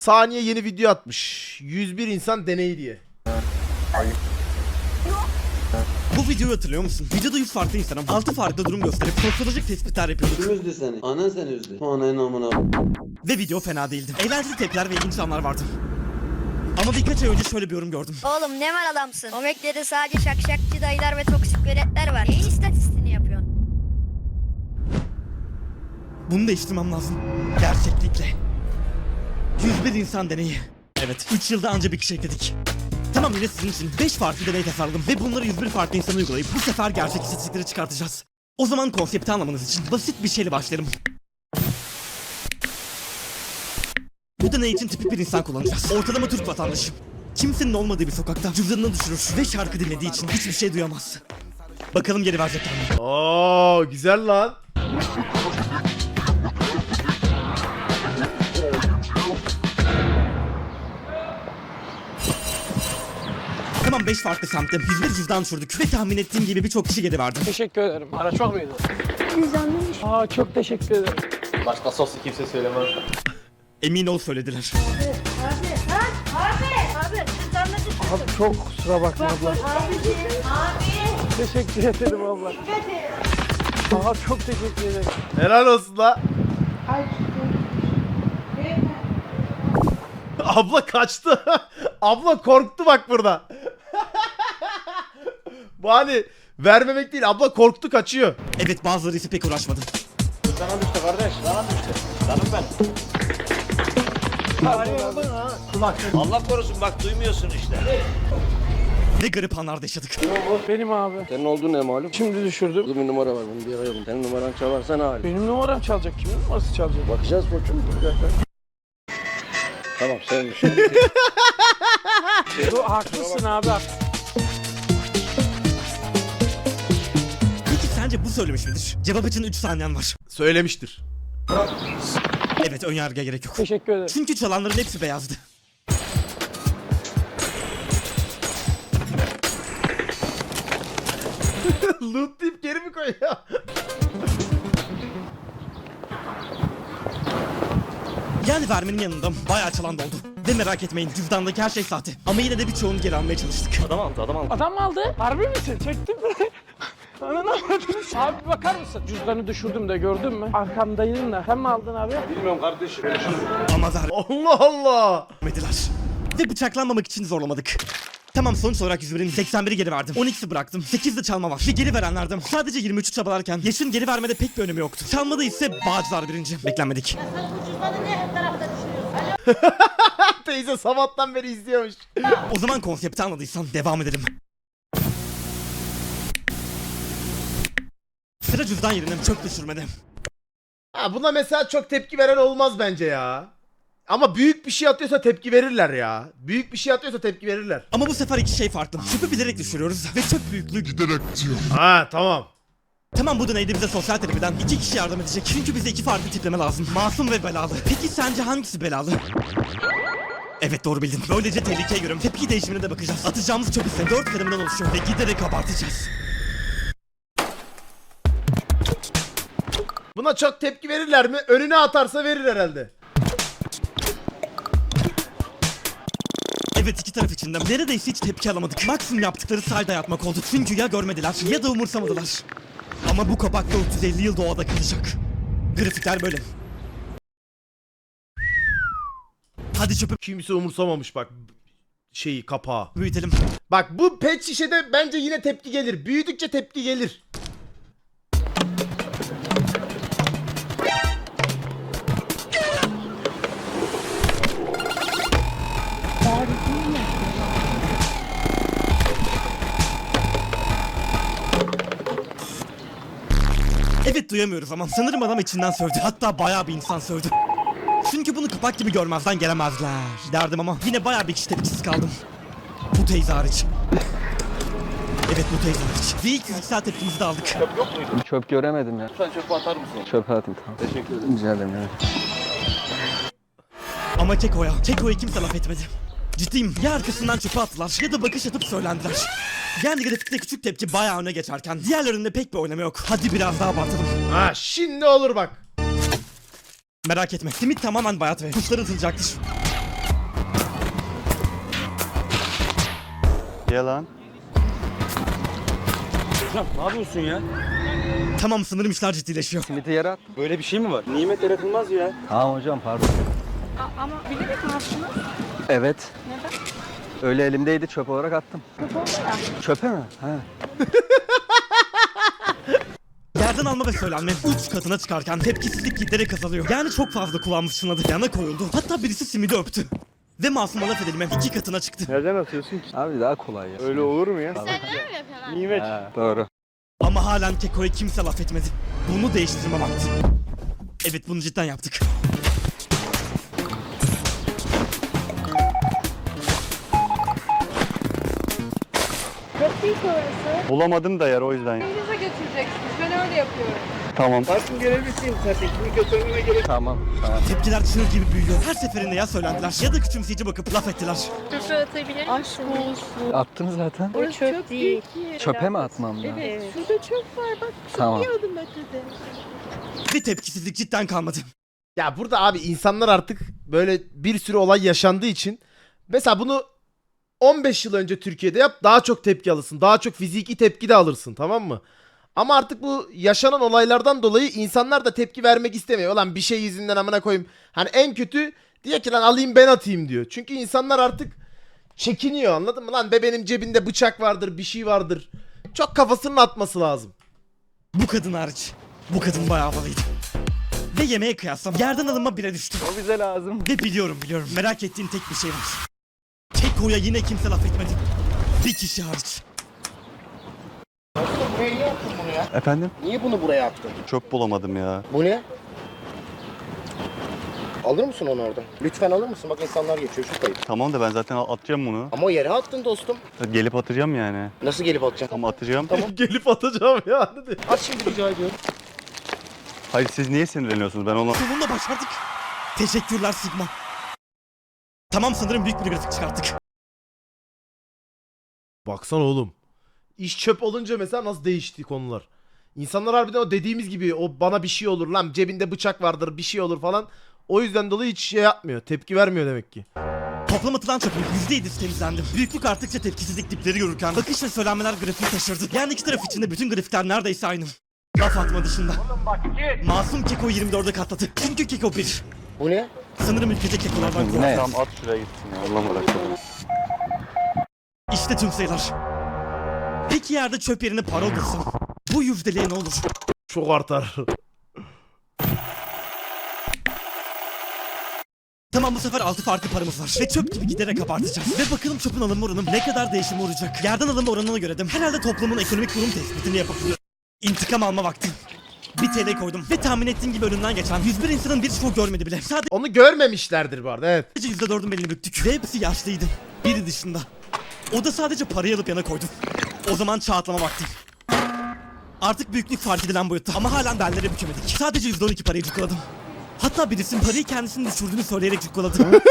Saniye yeni video atmış. 101 insan deneyi diye. Bu videoyu hatırlıyor musun? Videoda 100 farklı insanım 6 farklı durum gösterip sosyolojik tespitler yapıyorduk. Kim üzdü seni? Anan seni üzdü. Ananın amına. Ve video fena değildi. Eğlenceli tepkiler ve ilginç anlar vardı. Ama birkaç ay önce şöyle bir yorum gördüm. Oğlum ne mal adamsın. Omekleri sadece şakşakçı dayılar ve toksik veletler var. Neyin istatistiğini yapıyorsun? Bunu değiştirmem lazım. Gerçeklikle. 101 insan deneyi. Evet, 3 yılda anca bir kişi ekledik. Tamam, yine sizin için 5 farklı deney tasarladım ve bunları 101 farklı insana uygulayıp bu sefer gerçek istatistikleri çıkartacağız. O zaman konsepti anlamanız için basit bir şeyle başlayalım. Bu deney için tipik bir insan kullanacağız. Ortalama Türk vatandaşı. Kimsenin olmadığı bir sokakta cüzdanını düşürür ve şarkı dinlediği için hiçbir şey duyamaz. Bakalım geri verecekler mi? Oo güzel lan. Tamam, 5 farklı semtte 101 cüzdan düşürdük ve tahmin ettiğim gibi birçok kişi geri verdi. Teşekkür ederim. Araç var mıydı? Cüzdanlıymış. Aa, çok teşekkür ederim. Başka soslu kimse söylemez. Emin ol söylediler. Abi cüzdanla düşürdüm. Abi çok kusura bakma abla. Abi. Teşekkür ederim abla. Aa, çok teşekkür ederim. Helal olsun la. Abla kaçtı. Abla korktu bak burada. Bu hani vermemek değil. Abla korktu, kaçıyor. Evet, bazıları ise pek uğraşmadı. Sana düştü kardeş, sana düştü. Canım ben. Allah korusun bak duymuyorsun işte. Ne garip anlar da yaşadık. Benim abi. Senin olduğun ne malum? Şimdi düşürdüm. Burada bir numara var, bunu bir arayalım. Senin numaran çalarsa ne hali? Benim numaram çalacak. Kimin numarası çalacak? Bakacağız koçum. Bir dakika. Tamam, sevmiş. Haklısın abi. Peki sence bu söylemiş midir? Cevap için 3 saniyen var. Söylemiştir. Evet, önyargıya gerek yok. Teşekkür ederim. Çünkü çalanların hepsi beyazdı. Loot deyip geri mi koyuyor? Yani vermenin yanında bayağı çalan da oldu. Ve merak etmeyin, cüzdandaki her şey sahte. Ama yine de birçoğunu geri almaya çalıştık. Adam mı aldı? Harbi misin? Çektin mi? Ananı avradını. Abi bakar mısın? Cüzdanı düşürdüm de gördün mü? Arkamdaydın da. Sen mi aldın abi? Bilmiyorum kardeşim. Ama Allah Allah. vermediler. Ve bıçaklanmamak için zorlamadık. Tamam, sonuç olarak 101'in 81'i geri verdim. 12'si bıraktım. 8 de çalma var. Ve geri verenlerden sadece 23'ü çabalarken yaşın geri vermede pek bir önemi yoktu. Çalmada ise Bağcılar birinci. Beklenmedik. Teyze sabahtan beri izliyormuş. O zaman konsepti anladıysan devam edelim. Sıra cüzdan yerine çöp düşürmede. Ha, buna mesela çok tepki veren olmaz bence ya. Ama büyük bir şey atıyorsa tepki verirler ya. Büyük bir şey atıyorsa tepki verirler. Ama bu sefer iki şey farklı. Çöpü bilerek düşürüyoruz ve çöp büyüklüğü giderek artıyor. Ha tamam. Tamam, bu deneyde bize sosyal terapiden 2 kişi yardım edecek. Çünkü bize 2 farklı tipleme lazım. Masum ve belalı. Peki sence hangisi belalı? Evet, doğru bildin. Böylece tehlikeye göre tepki değişimine de bakacağız. Atacağımız çöp ise 4 kademeden oluşuyor ve giderek abartacağız. Buna çok tepki verirler mi? Önüne atarsa verir herhalde. Evet, iki taraf içinde neredeyse hiç tepki alamadık. Maksimum yaptıkları sahilde yatmak oldu. Çünkü ya görmediler ya da umursamadılar. Ama bu kapak 450 yıl doğada kalacak. Grafikler böyle. Hadi çöpü Kimse umursamamış bak şeyi, kapağı. büyütelim. Bak bu pet şişede bence yine tepki gelir. Büyüdükçe tepki gelir. Evet, duyamıyoruz ama sanırım adam içinden sövdü. Hatta bayağı bir insan sövdü. Çünkü bunu kapak gibi görmezden gelemezler derdim ama yine bayağı bir kişi tepkisiz kaldım. Bu teyze hariç. Evet, bu teyze hariç. Ve ilk fiziksel tepkimizi de aldık. Çöp göremedim ya. Sen çöpe atar mısın? Çöpe atayım, tamam. Teşekkür ederim. Rica ederim ya. Ama Keko'ya kimse laf etmedi. Ciddiyim, ya arkasından çöpe attılar ya da bakış atıp söylendiler. Yani grafikte küçük tepki bayağı öne geçerken diğerlerinde pek bir oynama yok. Hadi biraz daha abartalım. Ha şimdi olur bak. Merak etme, simit tamamen bayat ve kuşlar atılacaktır. Yalan. Ne yapıyorsun ya? Tamam sanırım işler ciddileşiyor. Simiti yere at. Böyle bir şey mi var? Nimet yaratılmaz ya. Tamam hocam pardon. Ama bilerek mi attınız? Evet. Neden? Öyle elimdeydi çöp olarak attım. Kötü oldu ya. Çöpe mi? He. Yerden alma ve söylenme uç katına çıkarken tepkisizlik giderek azalıyor. Yani çok fazla kullanmış sınadı. Yana koyuldu. Hatta birisi simidi öptü. Ve masuma laf edilme 2 katına çıktı. Nereden atıyorsun ki? Abi daha kolay ya. Öyle olur mu ya? Nimet. He, doğru. Ama halen Keko'ya kimse laf etmedi. Bunu değiştirme vakti. Evet bunu cidden yaptık. Çok büyük orası. Bulamadım da yer o yüzden. Evinize götüreceksiniz. Ben öyle yapıyorum. Tamam. Parfüm görevlisiyim zaten. Kimi götürmeme gerek. Tamam. Tamam. Tepkiler çığ gibi büyüyor. Her seferinde ya söylendiler ya da küçümseyici bakıp laf ettiler. Çöpe atabilir Aşk olsun. Attın zaten. Orası çöp değil. Çöpe mi atmam lazım? Evet. Şurada çöp var bak. Tamam. Adım ötede. Ve tepkisizlik cidden kalmadı. Ya burada abi insanlar artık böyle bir sürü olay yaşandığı için mesela bunu 15 yıl önce Türkiye'de yap daha çok tepki alırsın. Daha çok fiziki tepki de alırsın, tamam mı? Ama artık bu yaşanan olaylardan dolayı insanlar da tepki vermek istemiyor. Ulan bir şey yüzünden amına koyayım. Hani en kötü diyor ki lan alayım ben atayım diyor. Çünkü insanlar artık çekiniyor, anladın mı? Lan be benim cebinde bıçak vardır, bir şey vardır. Çok kafasının atması lazım. Bu kadın hariç. Bu kadın bayağı havalıydı. Ve yemeğe kıyaslam yerden alınma bire düştü. O bize lazım. Ve biliyorum merak ettiğin tek bir şey var. Keko'ya yine kimse laf etmedi. Bir kişi hariç. Buraya niye attın bunu ya? Efendim? Niye bunu buraya attın? Çöp bulamadım ya. Bu ne? Alır mısın onu oradan? Lütfen alır mısın? Bak insanlar geçiyor şu kayıp. Tamam da ben zaten atacağım bunu. Ama o yere attın dostum. Gelip atacağım yani. Nasıl gelip atacaksın? Tamam atacağım. Gelip atacağım ya. Hadi. At şimdi rica ediyorum. Hayır siz niye sinirleniyorsunuz? Ben ona... Sonunda başardık. Teşekkürler Sigma. Tamam sanırım büyük bir grafik çıkarttık. Baksana oğlum. İş çöp olunca mesela nasıl değişti konular. İnsanlar harbiden o dediğimiz gibi o bana bir şey olur lan cebinde bıçak vardır bir şey olur falan. O yüzden dolayı hiç şey yapmıyor. Tepki vermiyor demek ki. Toplam atılan çöpün %7'si temizlendi. Büyüklük arttıkça tepkisizlik dipleri görürken bakış ve söylenmeler grafiği taşırdı. Yani iki taraf içinde bütün grafikler neredeyse aynı. Laf atma dışında. Masum Keko 24'e katladı. Çünkü Keko 1. Bu ne? Sanırım ülkede Keko'lardan Bu korktu. ne? Tamam at şuraya gitsin ya. Allah merak etme. İşte tüm sayılar. Peki yerde çöp yerine para olursa bu yüzdeliğe ne olur? Çok artar. Tamam bu sefer 6 farklı paramız var ve çöp gibi giderek abartacağız. Ve bakalım çöpün alınma oranı ne kadar değişim olacak. Yerden alınma oranına göre de herhalde toplumun ekonomik durum tespitini yapabilir. İntikam alma vakti. 1 TL koydum ve tahmin ettiğim gibi önünden geçen 101 insanın birçoğu görmedi bile. Sadece Onu görmemişlerdir bu arada, evet. %4'ün belini büktük ve hepsi yaşlıydı. Biri dışında. O da sadece parayı alıp yana koydu. O zaman çağatlama vakti. Artık büyüklük fark edilen boyutta ama halen bellere bükemedik. Sadece %12 parayı cukkaladım. Hatta birisinin parayı kendisinin düşürdüğünü söyleyerek cukkaladı.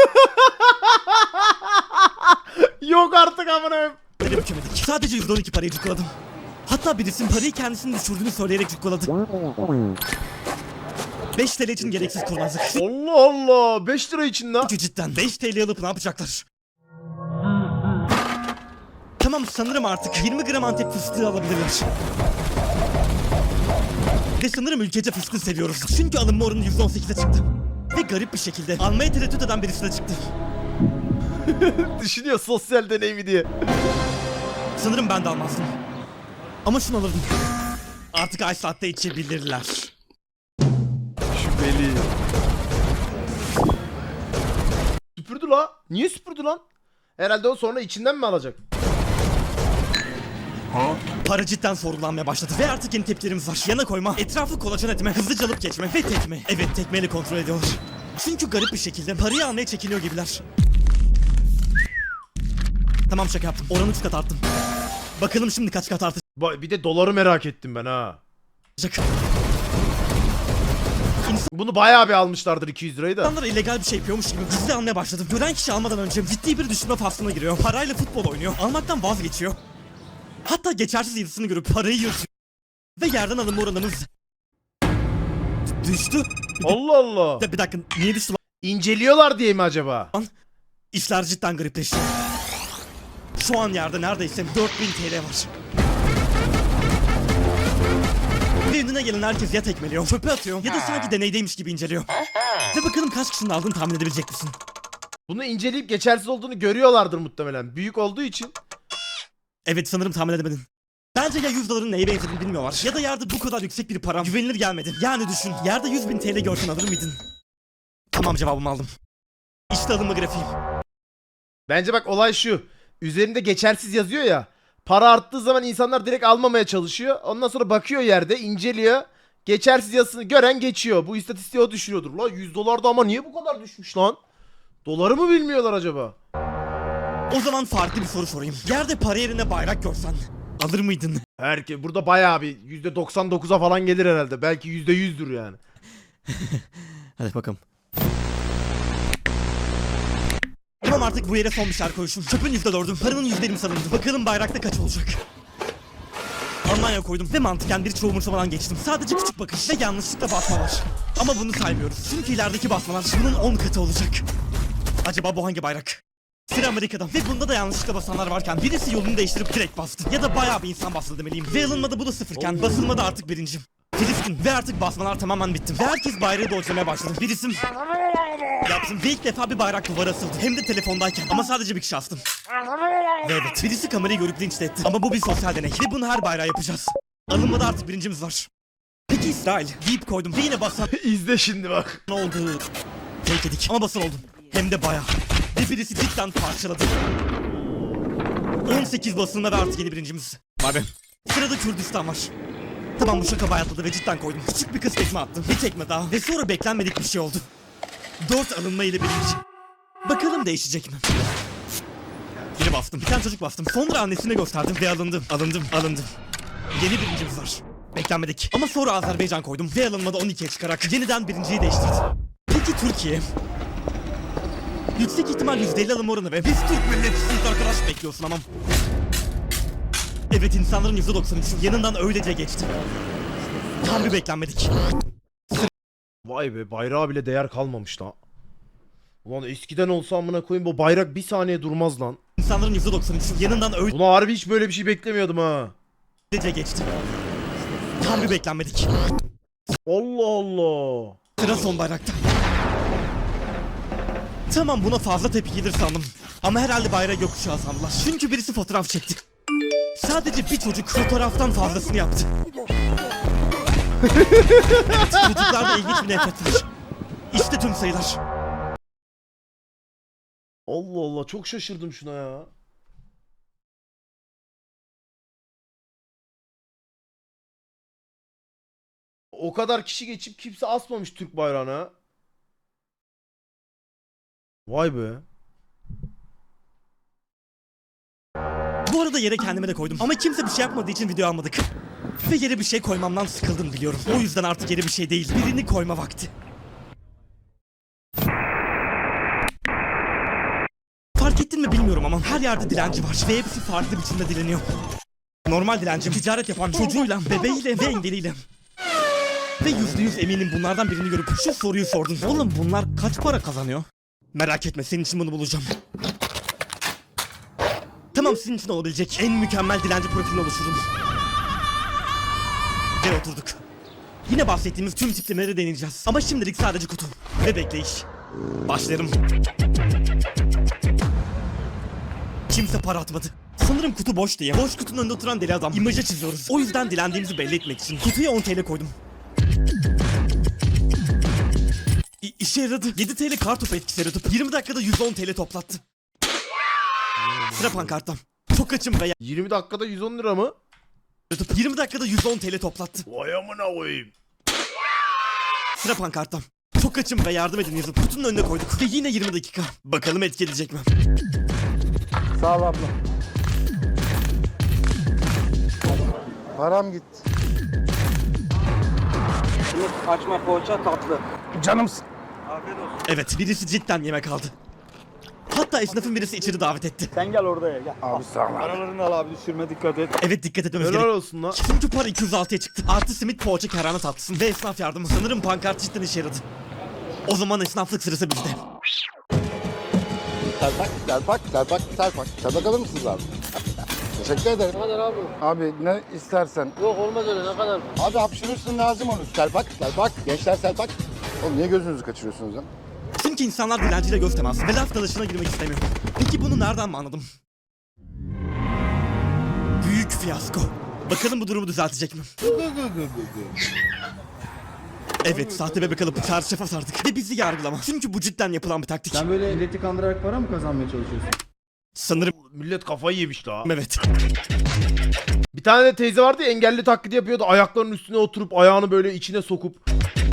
Yok artık amına koyayım. Bellere bükemedik. Sadece %12 parayı cukkaladım. Hatta birisinin parayı kendisinin düşürdüğünü söyleyerek cukkaladı. 5 TL için gereksiz kurnazlık. Allah Allah. 5 lira için lan. Cidden 5 TL alıp ne yapacaklar? Tamam sanırım artık 20 gram Antep fıstığı alabilirler. Ve sanırım ülkece fıstığı seviyoruz. Çünkü alınma oranı %18'e çıktı. Ve garip bir şekilde almaya tereddüt eden birisi de çıktı. Düşünüyor sosyal deneyimi diye. Sanırım ben de almazdım. Ama şunu alırdım. Artık ay saatte içebilirler. Şüpheli. Süpürdü la. Niye süpürdü lan? Herhalde o sonra içinden mi alacak? Para cidden sorgulanmaya başladı ve artık yeni tepkilerimiz var. Yana koyma, etrafı kolaçan etme, hızlıca alıp geçme ve tekme. Evet tekmeyle kontrol ediyorlar. Çünkü garip bir şekilde parayı almaya çekiniyor gibiler. Tamam şaka yaptım. Oranı 3 kat arttım. Bakalım şimdi kaç kat artacak. Bir de doları merak ettim ben ha. Bunu bayağı bir almışlardır 200 lirayı da. İnsanlar illegal bir şey yapıyormuş gibi gizli almaya başladı. Gören kişi almadan önce ciddi bir düşünme faslına giriyor. Parayla futbol oynuyor. Almaktan vazgeçiyor. Hatta geçersiz yazısını görüp parayı yırtıyor. Ve yerden alınma oranımız düştü. Allah Allah. Bir dakika niye düştü İnceliyorlar diye mi acaba? lan? İşler cidden garipleşti. Şu an yerde neredeyse 4000 TL var. Ve önüne gelen herkes ya tekmeliyor, çöpe atıyor ya da sanki deneydeymiş gibi inceliyor. Ve bakalım kaç kişinin aldığını tahmin edebilecek misin? Bunu inceleyip geçersiz olduğunu görüyorlardır muhtemelen. Büyük olduğu için. Evet, sanırım tahmin edemedin. Bence ya 100 doların neye benzediğini bilmiyorlar ya da yerde bu kadar yüksek bir para güvenilir gelmedi. Yani düşün, yerde 100.000 TL görsen alır mıydın? Tamam, cevabımı aldım. İşte alınma grafiğim. Bence bak olay şu. Üzerinde geçersiz yazıyor ya. Para arttığı zaman insanlar direkt almamaya çalışıyor. Ondan sonra bakıyor yerde, inceliyor. Geçersiz yazısını gören geçiyor. Bu istatistiği o düşürüyordur. La 100 dolar da ama niye bu kadar düşmüş lan? Doları mı bilmiyorlar acaba? O zaman farklı bir soru sorayım. Yerde para yerine bayrak görsen alır mıydın? Burada bayağı bir %99'a falan gelir herhalde. Belki %100'dür yani. Hadi bakalım. Tamam, artık bu yere son bir şarkı koymuşum. Çöpün %4'ü, paranın %20 salındı. Bakalım bayrakta kaç olacak? Almanya koydum ve mantıken bir çoğu umursamadan geçtim. Sadece küçük bakış ve yanlışlıkla basma var. Ama bunu saymıyoruz. Çünkü ilerideki basmalar bunun 10 katı olacak. Acaba bu hangi bayrak? Sıra Amerika'da ve bunda da yanlışlıkla basanlar varken birisi yolunu değiştirip direkt bastı. Ya da bayağı bir insan bastı demeliyim. Ve alınmada bu da sıfırken basılmada artık birincim. Filistin ve artık basmalar tamamen bitti. Ve herkes bayrağı dojlamaya başladı. Bir isim yaptım ve ilk defa bir bayrak duvara asıldı. Hem de telefondayken ama sadece bir kişi astım. Ve evet, birisi kamerayı görüp linç etti. Ama bu bir sosyal deney ve bunu her bayrağa yapacağız. Alınmada artık birincimiz var. Peki İsrail deyip koydum ve yine basan İzle şimdi bak. ne oldu? Fake edik ama basın oldum. Hem de bayağı. Ve birisi cidden parçaladı. 18 basınla ve artık yeni birincimiz. Vay be. Sırada Kürdistan var. Tamam, bu şaka bayatladı ve cidden koydum. Küçük bir kız tekme attım. Bir tekme daha. Ve sonra beklenmedik bir şey oldu. 4 alınma ile birinci. Bakalım değişecek mi? Biri bastım. Bir tane çocuk bastım. Sonra annesine gösterdim ve alındım. Yeni birincimiz var. Beklenmedik. Ama sonra Azerbaycan koydum ve alınmada 12'ye çıkarak yeniden birinciyi değiştirdi. Peki Türkiye? Yüksek ihtimal %50 alım oranı ve biz Türk milletçisiyiz arkadaş bekliyorsun ama. Evet, insanların %93'ü yanından öylece geçti. Tam bir beklenmedik. Vay be, bayrağa bile değer kalmamış lan. Ulan eskiden olsa amına koyayım bu bayrak bir saniye durmaz lan. İnsanların %93'ü yanından Buna harbi hiç böyle bir şey beklemiyordum ha. öylece geçti. Tam bir beklenmedik. Allah Allah. Sıra son bayrakta. Tamam, buna fazla tepki gelir sandım. Ama herhalde bayrağı gökkuşağı sandılar. Çünkü birisi fotoğraf çekti. Sadece bir çocuk fotoğraftan fazlasını yaptı. Evet, çocuklarda ilginç bir nefret var. İşte tüm sayılar. Allah Allah, çok şaşırdım şuna ya. O kadar kişi geçip kimse asmamış Türk bayrağına. Vay be. Bu arada yere kendime de koydum. Ama kimse bir şey yapmadığı için video almadık. Ve yere bir şey koymamdan sıkıldım biliyorum. O yüzden artık yere bir şey değil, birini koyma vakti. Fark ettin mi bilmiyorum ama her yerde dilenci var. Ve hepsi farklı biçimde dileniyor. Normal dilenci, ticaret yapan çocuğuyla, bebeğiyle ve engeliyle. Ve %100 eminim bunlardan birini görüp şu soruyu sordun. Oğlum bunlar kaç para kazanıyor? Merak etme, senin için bunu bulacağım. Tamam, sizin için olabilecek en mükemmel dilenci profilini oluşturdum. Ve oturduk. Yine bahsettiğimiz tüm tiplemeleri deneyeceğiz. Ama şimdilik sadece kutu ve bekleyiş. Başlayalım. Kimse para atmadı. Sanırım kutu boş diye. Boş kutunun önünde oturan deli adam imajı çiziyoruz. O yüzden dilendiğimizi belli etmek için kutuya 10 TL koydum. İşe yaradı. 7 TL kartopu etkisi yaratıp 20 dakikada 110 TL toplattı. Sıra pankarttan. Çok açım ve 20 dakikada 110 lira mı? yaratıp 20 dakikada 110 TL toplattı. Vay amına koyayım. Sıra pankarttan. Çok açım ve yardım edin yazıp kutunun önüne koyduk. Ve yine 20 dakika. Bakalım etki edecek mi? Sağ ol abla. Param gitti. Açma poğaça tatlı. Canımsın. Evet, birisi cidden yemek aldı. Hatta esnafın birisi içeri davet etti. Sen gel oraya gel. Abi sağ ol. Paralarını al abi, düşürme, dikkat et. Evet, dikkat etmemiz Helal gerek. olsun lan. Çünkü para 206'ya çıktı. Artı simit, poğaça, kerane tatlısı ve esnaf yardımı. Sanırım pankart cidden işe yaradı. O zaman esnaflık sırası bizde. Selpak. Selpak alır mısınız abi? Teşekkür ederim. Ne kadar abi? Abi ne istersen. Yok olmaz öyle ne kadar? Abi hapşırırsın lazım olur. Selpak. Gençler selpak. Oğlum niye gözünüzü kaçırıyorsunuz ya? Çünkü insanlar dilenciyle göz teması ve laf dalaşına girmek istemiyor. Peki bunu nereden mi anladım? Büyük fiyasko. Bakalım bu durumu düzeltecek mi? Evet, sahte bebek alıp çarşafa sardık ve bizi yargılama. Çünkü bu cidden yapılan bir taktik. Sen böyle milleti kandırarak para mı kazanmaya çalışıyorsun? Sanırım Millet kafayı yemiş la. evet. Bir tane de teyze vardı ya, engelli taklidi yapıyordu. Ayaklarının üstüne oturup ayağını böyle içine sokup.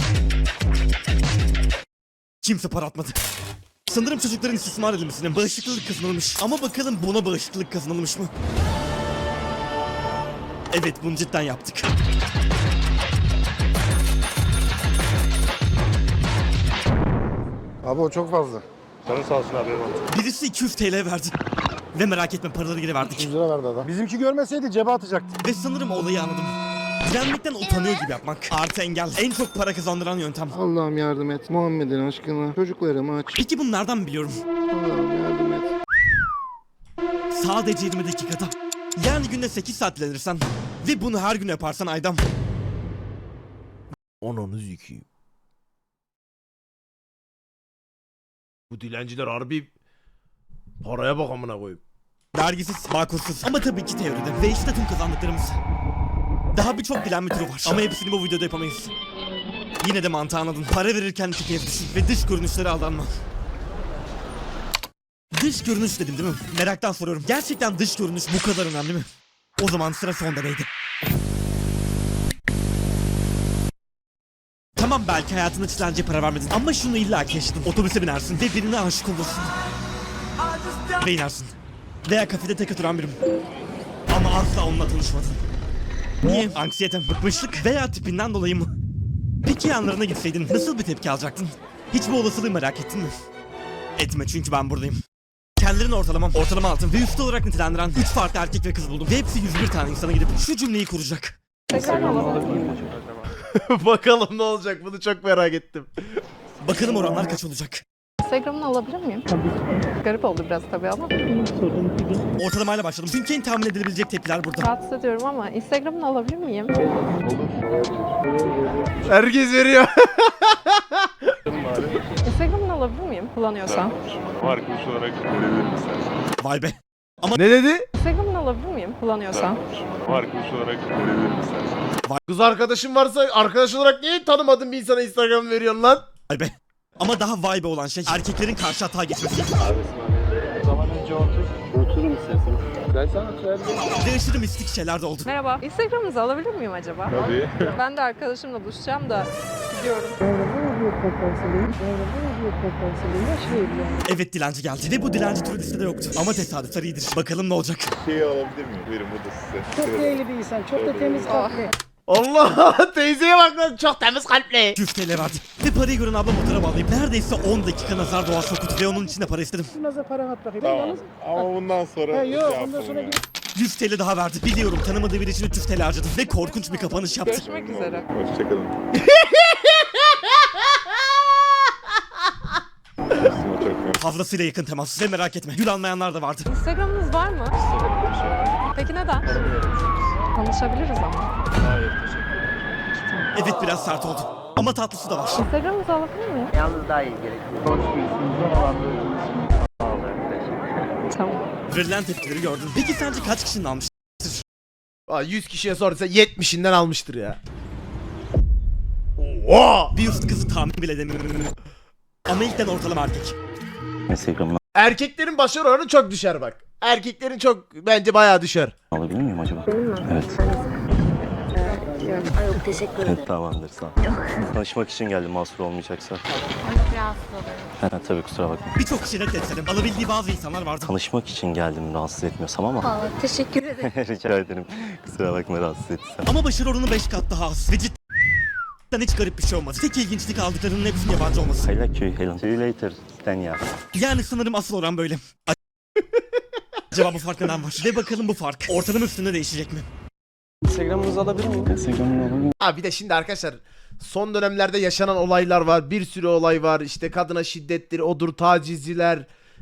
Kimse para atmadı. Sanırım çocukların istismar edilmesine bağışıklık kazanılmış. Ama bakalım buna bağışıklık kazanılmış mı? Evet, bunu cidden yaptık. Abi o çok fazla. Canın sağ olsun abi. Birisi 200 TL verdi. Ve merak etme, paraları geri verdik. 100 lira verdi adam. Bizimki görmeseydi cebe atacaktı. Ve sanırım olayı anladım. Direnmekten utanıyor gibi yapmak. Artı engel. En çok para kazandıran yöntem. Allah'ım yardım et. Muhammed'in aşkına. Çocuklarımı aç. Peki bunu nereden biliyorum? Allah'ım yardım et. Sadece 20 dakikada. Yani günde 8 saat dilenirsen ve bunu her gün yaparsan Aydam. Ananı zikiyim. Bu dilenciler harbi paraya bak amına koyayım. Vergisiz, bağkursuz ama tabii ki teoride. Ve işte tüm kazandıklarımız. Daha birçok dilenme türü var ama hepsini bu videoda yapamayız. Yine de mantığı anladın. Para verirken iki kez düşün ve dış görünüşlere aldanma. Dış görünüş dedim değil mi? Meraktan soruyorum. Gerçekten dış görünüş bu kadar önemli mi? O zaman sıra son deneydi. Tamam, belki hayatında dilenciye para vermedin ama şunu illaki yaşadın. Otobüse binersin ve birine aşık olursun. Ve inersin. Veya kafede tek oturan birim. Ama asla onunla tanışmadın. Niye? Anksiyete, bıkmışlık veya tipinden dolayı mı? Peki yanlarına gitseydin nasıl bir tepki alacaktın? Hiç bu olasılığı merak ettin mi? Etme, çünkü ben buradayım. Kendilerini ortalama altın ve üstü olarak nitelendiren 3 farklı erkek ve kız buldum. Ve hepsi 101 tane insana gidip şu cümleyi kuracak. Bakalım ne olacak, bunu çok merak ettim. Bakalım oranlar kaç olacak? Instagram'ını alabilir miyim? Tabii. Garip oldu biraz tabii ama. Ortalamayla başladım. Çünkü en tahmin edilebilecek tepkiler burada. Rahatsız ediyorum ama Instagram'ını alabilir miyim? Herkes veriyor. Instagram'ını alabilir miyim kullanıyorsan? Arkadaş olarak verebilirim istersen. Vay be. Ne dedi? Instagram'ını alabilir miyim kullanıyorsan? Arkadaş olarak verebilirim istersen. Kız arkadaşın varsa arkadaş olarak niye tanımadığın bir insana Instagram veriyorsun lan? Vay be. Ama daha vay be olan şey erkeklerin karşı hata geçmesi. O zaman önce oturun isterseniz. Ben sana söyleyeyim. Ve aşırı mistik şeyler de oldu. Merhaba. Instagram'ınızı alabilir miyim acaba? Tabii. Ben de arkadaşımla buluşacağım da gidiyorum. Evet, dilenci geldi ve bu dilenci türü listede yoktu. Ama tesadüfler iyidir. Bakalım ne olacak. Şeyi alabilir miyim? Buyurun bu da size. Çok değerli bir insan, çok da temiz kalpli. Allah, teyzeye bak lan, çok temiz kalpli. 100 TL verdi. Ve parayı gören abla motora bağlayıp neredeyse 10 dakika nazar doğa soktu ve onun içine para istedim. Nasıl para at bakayım. Tamam. Ama bundan sonra... Yok, bundan sonra 100 TL daha verdi. Biliyorum, tanımadığı biri için 300 TL harcadı ve korkunç bir kapanış yaptı. Görüşmek üzere. Hoşçakalın. Fazlasıyla yakın temas ve merak etme, gül almayanlar da vardı. Instagram'ınız var mı? Peki neden? Tanışabiliriz ama. Evet, biraz sert oldu. Ama tatlısı da var. Instagram'ınızı alabilir miyim? Yalnız daha iyi gerekiyor. Tamam. Verilen tepkileri gördün. Peki sence kaç kişinin almış? Aa, 100 kişiye sorsa 70'inden almıştır ya. Oha! Bir üst kızı tahmin bile edemiyorum. Ama ilkten ortalama erkek. Instagram'ını Erkeklerin başarı oranı çok düşer bak. Erkeklerin çok bence bayağı düşer. alabilir miyim acaba? Evet. Yok, teşekkür ederim. Tamamdır, sağ ol. Tanışmak için geldim, mahsur olmayacaksa. Rahatsız olurum. Ha, tabii, kusura bakma. Birçok kişi reddetselim. Alabildiği bazı insanlar vardı. Tanışmak için geldim, rahatsız etmiyorsam ama. Vallahi teşekkür ederim. Rica ederim. Kusura bakma rahatsız ettiysem. Ama başarı oranı 5 kat daha az. Ve cidden hiç garip bir şey olmadı. Tek ilginçlik aldıklarının hepsinin yabancı olması. I like you, Helen. See you later, Stenya. Yani sanırım asıl oran böyle. Acaba bu fark neden var? Ve bakalım bu fark ortalama üstünde değişecek mi? Instagram'ınızı alabilir miyim? Instagram'ını alabilir miyim? Ha bir de şimdi arkadaşlar son dönemlerde yaşanan olaylar var. Bir sürü olay var. İşte kadına şiddettir, odur, tacizciler.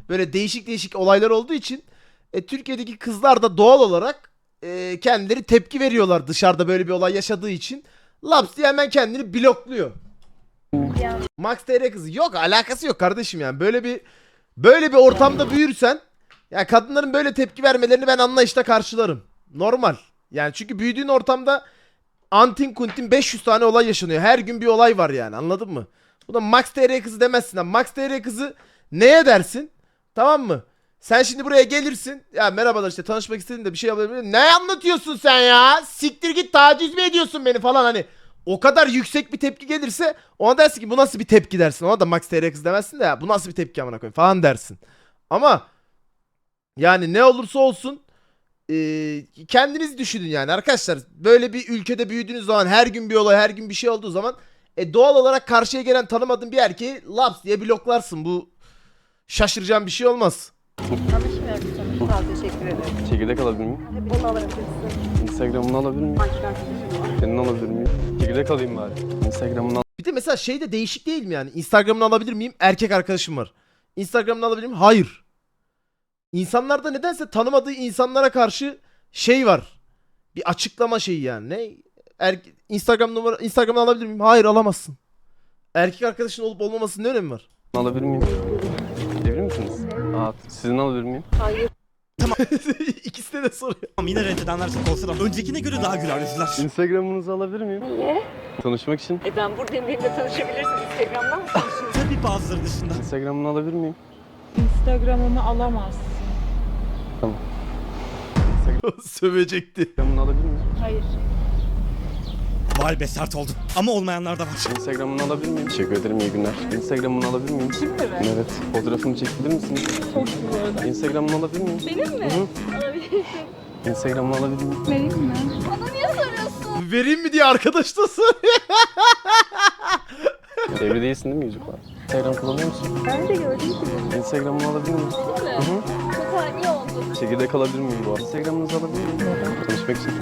böyle değişik değişik olaylar olduğu için Türkiye'deki kızlar da doğal olarak kendileri tepki veriyorlar dışarıda böyle bir olay yaşadığı için. Laps diye hemen kendini blokluyor. Max TR kızı yok, alakası yok kardeşim yani. Böyle bir ortamda büyürsen ya kadınların böyle tepki vermelerini ben anlayışla karşılarım. Normal. Yani çünkü büyüdüğün ortamda antin kuntin 500 tane olay yaşanıyor. Her gün bir olay var yani, anladın mı? Bu da Max TR kızı demezsin. Ama Max TR kızı neye dersin? Tamam mı? Sen şimdi buraya gelirsin. Ya merhabalar işte tanışmak istedim de bir şey yapabilir miyim? Ne anlatıyorsun sen ya? Siktir git, taciz mi ediyorsun beni falan hani. O kadar yüksek bir tepki gelirse ona dersin ki bu nasıl bir tepki dersin. Ona da Max TR kız demezsin de ya bu nasıl bir tepki amına koyayım falan dersin. Ama yani ne olursa olsun kendiniz düşünün yani arkadaşlar. Böyle bir ülkede büyüdüğünüz zaman her gün bir olay, her gün bir şey olduğu zaman doğal olarak karşıya gelen tanımadığın bir erkeği laps diye bloklarsın. Bu şaşıracağın bir şey olmaz. Tanışmıyorum. Sağ ol, teşekkür ederim. Çekirdek alabilir miyim? Bunu alabilirsin. Instagram'ını alabilir miyim? Senin alabilir miyim? Çekirdek alayım bari. Instagram'ını Bir de mesela şey de değişik değil mi yani? Instagram'ını alabilir miyim? Erkek arkadaşım var. Instagram'ını alabilir miyim? Hayır. İnsanlarda nedense tanımadığı insanlara karşı şey var. Bir açıklama şeyi yani. Ne? Instagram'ını alabilir miyim? Hayır, alamazsın. Erkek arkadaşın olup olmamasının ne önemi var? alabilir miyim? Evli misiniz? Aa, sizin alabilir miyim? İkisine de soruyor. Tamam, yine reddedenler çok olsa da öncekine göre daha güler yüzlüler. Instagram'ınızı alabilir miyim? Niye? Tanışmak için. Ben buradayım, benimle tanışabilirsin. Instagram'dan mı tanışıyorsun? Tabii bazıları dışında. Instagram'ını alabilir miyim? Instagram'ımı alamazsın. Sövecekti. Instagram'ını alabilir miyim? Hayır. Vay be, sert oldu. Ama olmayanlar da var. Instagram'ını alabilir miyim? Teşekkür ederim, iyi günler. Instagram'ını alabilir miyim? Kim mi be? Evet. Fotoğrafımı çekebilir misiniz? Çok güzel. Instagram'ını alabilir miyim? Benim mi? Alabilirsin. Instagram'ını alabilir miyim? Vereyim mi? Bana niye soruyorsun? Vereyim mi diye arkadaş da soruyor. Evli değilsin değil mi, yüzük var? Instagram kullanıyor musun? Ben de gördüm ki. Instagram'ını alabilir miyim? Çok ani oldu. Çekirdek alabilir miyim bu arada? Instagram'ınızı alabilir miyim? Tanışmak için.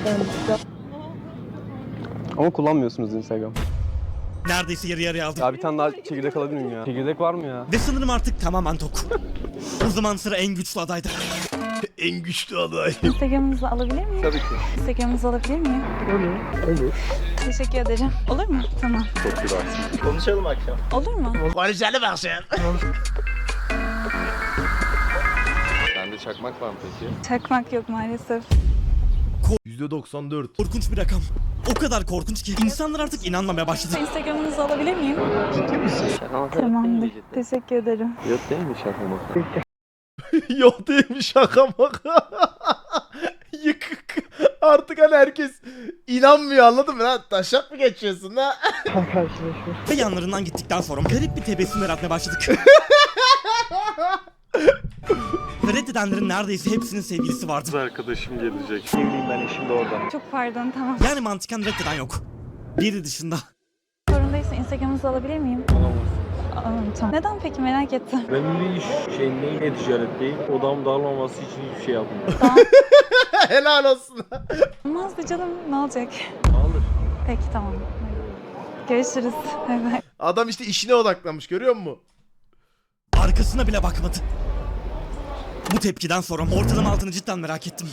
Ama kullanmıyorsunuz Instagram. Neredeyse yarı yarıya aldım. Ya bir tane daha çekirdek alabilir miyim ya? Çekirdek var mı ya? Ve sanırım artık tamamen tok. O zaman sıra en güçlü adayda. En güçlü aday. Instagram'ınızı alabilir miyim? Tabii ki. Instagram'ınızı alabilir miyim? Olur. Teşekkür ederim. Olur mu? Tamam. Çok güzelsin. Konuşalım akşam. Olur mu? Konuşalım akşam. Sende çakmak var mı peki? Çakmak yok maalesef. %94. Korkunç bir rakam. O kadar korkunç ki insanlar artık inanmamaya başladı. Instagram'ınızı alabilir miyim? Şaka Tamamdır. Teşekkür ederim. Yok değil mi şaka maka? Yok değilmiş, şaka maka. Yıkık. Artık hani herkes inanmıyor, anladın mı lan? Taşak mı geçiyorsun ha? Ve yanlarından gittikten sonra garip bir tebessüm yaratmaya başladık. Ve reddedenlerin neredeyse hepsinin sevgilisi vardı. Arkadaşım gelecek. Çok pardon, tamam. Yani mantıken reddeden yok. Biri dışında. Sorun değilse Instagram'ınızı alabilir miyim? Alamam. Tamam. Neden peki, merak ettim. Ben bir iş şeyindeyim, e-ticaretteyim. Odam dağılmaması için hiçbir şey yapmıyorum. Helal olsun. Olmazdı canım, ne olacak? Alır. Peki, tamam. Görüşürüz. Bay bay. Adam işte işine odaklanmış, görüyor musun? Arkasına bile bakmadı. Bu tepkiden sonra ortalama altını cidden merak ettim.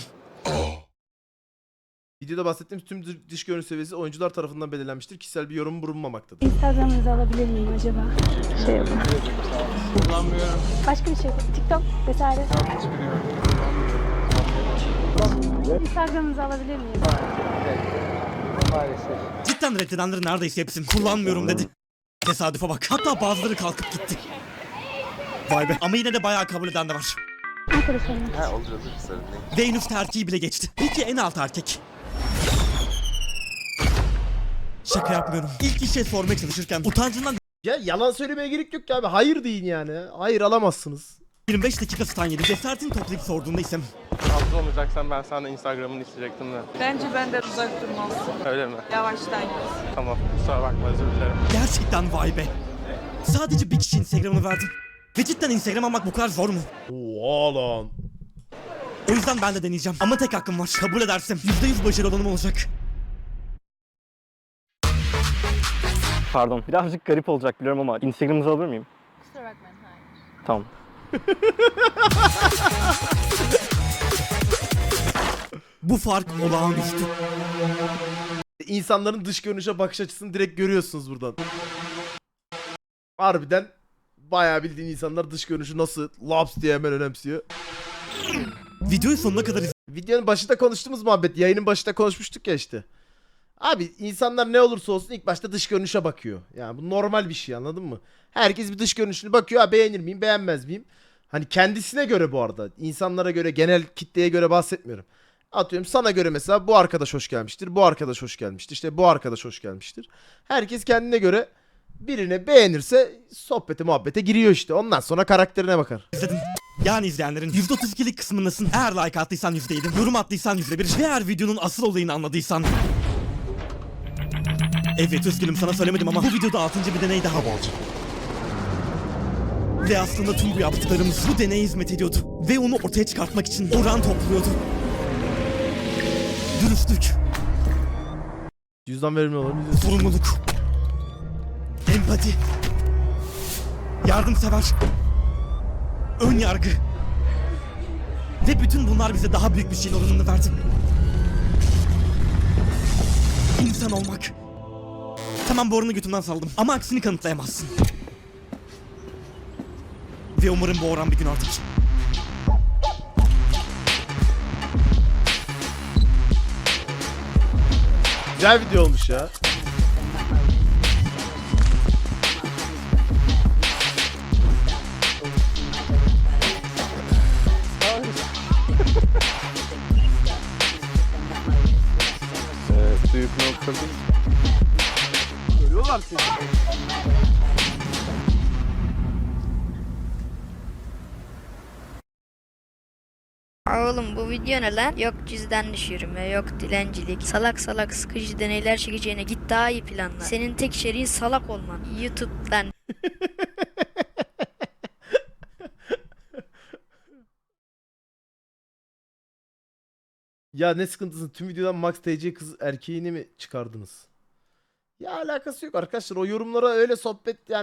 Videoda bahsettiğim tüm dış görünüş seviyesi oyuncular tarafından belirlenmiştir. Kişisel bir yorum bulunmamaktadır. Instagram'ınızı alabilir miyim acaba? Şey yapın. Kullanmıyorum. Başka bir şey. TikTok vesaire. Instagram'ınızı alabilir miyim? Cidden reddedenlerin neredeyse hepsini kullanmıyorum dedi. Tesadüfe bak. Hatta bazıları kalkıp gitti. Vay be. Ama yine de bayağı kabul eden de var. Arkadaşlarım. Ha olur hazır sorun değil. Ve en üst erkeği bile geçti. Peki en alt erkek? Şaka yapmıyorum. İlk işe sormaya çalışırken utancından Ya yalan söylemeye gerek yok ki abi. Hayır deyin yani. Hayır, alamazsınız. 25 dakika stan yedi. Cesaretini toplayıp sorduğunda ise Hafta olmayacaksan ben sana Instagram'ını isteyecektim de. Bence benden uzak durmalısın. Öyle mi? Yavaştan git. Tamam. Kusura bakma, özür dilerim. gerçekten vay be. Sadece bir kişi Instagram'ını verdim. Ve cidden Instagram almak bu kadar zor mu? Oha lan. O yüzden ben de deneyeceğim. Ama tek hakkım var. Kabul edersem %100 başarılı olanım olacak. Pardon, birazcık garip olacak biliyorum ama Instagram'ınızı alabilir miyim? Kusura bakmayın, hayır. Tamam. Bu fark olağanüstü. İnsanların dış görünüşe bakış açısını direkt görüyorsunuz buradan. Harbiden bayağı bildiğin insanlar dış görünüşü nasıl laps diye hemen önemsiyor. Videoyu sonuna kadar Videonun başında konuştuğumuz muhabbet, yayının başında konuşmuştuk ya işte. Abi insanlar ne olursa olsun ilk başta dış görünüşe bakıyor. Yani bu normal bir şey, anladın mı? Herkes bir dış görünüşüne bakıyor. Ha, beğenir miyim, beğenmez miyim? Hani kendisine göre bu arada. İnsanlara göre, genel kitleye göre bahsetmiyorum. Atıyorum sana göre mesela bu arkadaş hoş gelmiştir. Bu arkadaş hoş gelmiştir. İşte bu arkadaş hoş gelmiştir. Herkes kendine göre birine beğenirse sohbete muhabbete giriyor işte. Ondan sonra karakterine bakar. izledin. Yani izleyenlerin %32'lik kısmındasın. Eğer like attıysan %7, yorum attıysan %1 ve eğer videonun asıl olayını anladıysan... Evet üzgünüm sana söylemedim ama bu videoda 6. bir deney daha olacak. Ve aslında tüm bu yaptıklarımız bu deneye hizmet ediyordu. Ve onu ortaya çıkartmak için oran topluyordu. Dürüstlük, Cüzdan verimli olur. sorumluluk, empati, yardımsever, ön yargı. Ve bütün bunlar bize daha büyük bir şeyin oranını verdi. İnsan olmak. Tamam, bu oranı götümden saldım ama aksini kanıtlayamazsın. Ve umarım bu oran bir gün artar. Güzel video olmuş ya. Büyük noktada. Görüyorlar seni. Oğlum bu video ne lan? Yok cüzdan düşürme, yok dilencilik. Salak salak sıkıcı deneyler çekeceğine git daha iyi planla. Senin tek içeriğin salak olman. YouTube'dan Ya ne sıkıntısı, tüm videodan Max TC kız erkeğini mi çıkardınız? Ya alakası yok arkadaşlar, o yorumlara öyle sohbet yani